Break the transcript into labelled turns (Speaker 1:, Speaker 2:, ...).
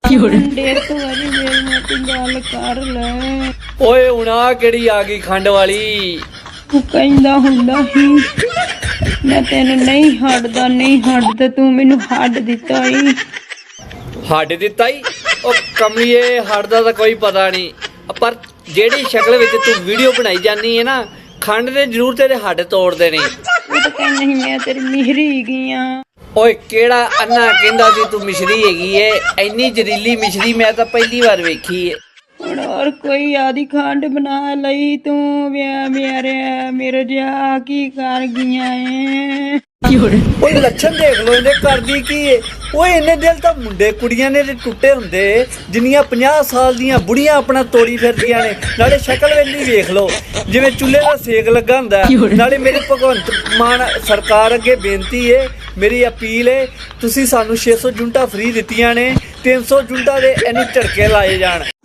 Speaker 1: ਡੇਢ ਤੋਂ ਵਾਰੀ ਮੇਰੀ ਨਾਲ ਤੂੰ ਗੱਲ ਕਰ ਲੈ।
Speaker 2: ਓਏ ਹੁਣ ਆ ਕਿਹੜੀ ਆ ਗਈ ਖੰਡ ਵਾਲੀ?
Speaker 1: ਤੂੰ ਕਹਿੰਦਾ ਹੁੰਦਾ ਸੀ ਮੈਂ ਤੈਨੂੰ ਨਹੀਂ ਹੱਡਦਾ ਤੂੰ ਮੈਨੂੰ ਹੱਡ ਦਿੱਤਾ ਈ।
Speaker 2: ਹੱਡ ਦਿੱਤਾ ਈ? ਉਹ ਕਮਲੀਏ ਹੱਡ ਦਾ ਕੋਈ ਪਤਾ ਨਹੀਂ, ਪਰ ਜਿਹੜੀ ਸ਼ਕਲ ਵਿੱਚ ਤੂੰ ਵੀਡੀਓ ਬਣਾਈ ਜਾਂਦੀ ਹੈ ਨਾ, ਖੰਡ ਨੇ ਜ਼ਰੂਰ ਤੇਰੇ ਹੱਡ ਤੋੜ ਦੇਣੇ।
Speaker 1: ਉਹ ਤਾਂ ਕਹਿੰਦਾ ਸੀ ਮੈਂ ਤੇਰੀ ਮਿਹਰੀ ਹੈਗੀ ਆ।
Speaker 2: ਓਏ ਕਿਹੜਾ ਅੰਨਾ ਕਹਿੰਦਾ ਸੀ ਤੂੰ ਮਿਸ਼ਰੀ ਹੈਗੀ ਏ? ਇੰਨੀ ਜ਼ਹਿਰੀਲੀ ਮਿਸ਼ਰੀ ਮੈਂ ਤਾਂ ਪਹਿਲੀ ਵਾਰ ਵੇਖੀ ਏ।
Speaker 1: ਹੁਣ ਹੋਰ ਕੋਈ ਆਦੀ ਖੰਡ ਬਣਾ ਲਈ ਤੂੰ ਮੇਰੇ ਜਿਹਾ ਕੀ ਕਰ ਗਈਆਂ ਏ।
Speaker 2: ਓਏ ਲੱਛਣ ਦੇਖ ਲੋ ਇਹਨੇ ਕਰਦੀ ਕੀ ਏ। ਓਏ ਇਹਨੇ ਦਿਲ ਤਾਂ ਮੁੰਡੇ ਕੁੜੀਆਂ ਨੇ ਟੁੱਟੇ ਹੁੰਦੇ ਜਿੰਨੀਆਂ 50 ਸਾਲ ਦੀਆਂ ਬੁੜੀਆਂ ਆਪਣਾ ਤੋੜੀ ਫਿਰਦੀਆਂ ਨੇ। ਨਾਲੇ ਸ਼ਕਲ ਵੇਲੀ ਵੇਖ ਲੋ ਜਿਵੇਂ ਚੁੱਲ੍ਹੇ ਦਾ ਸੇਕ ਲੱਗਾ ਹੁੰਦਾ। ਨਾਲੇ ਮੇਰੀ ਭਗਵੰਤ ਮਾਨ ਸਰਕਾਰ ਅੱਗੇ ਬੇਨਤੀ ਏ, ਮੇਰੀ ਅਪੀਲ ਏ, ਤੁਸੀਂ ਸਾਨੂੰ 600 ਯੂਨਿਟਾਂ ਫ੍ਰੀ ਦਿੱਤੀਆਂ ਨੇ, 300 ਯੂਨਿਟਾਂ ਦੇ ਇਹਨੂੰ ਝਟਕੇ ਲਾਏ ਜਾਣ।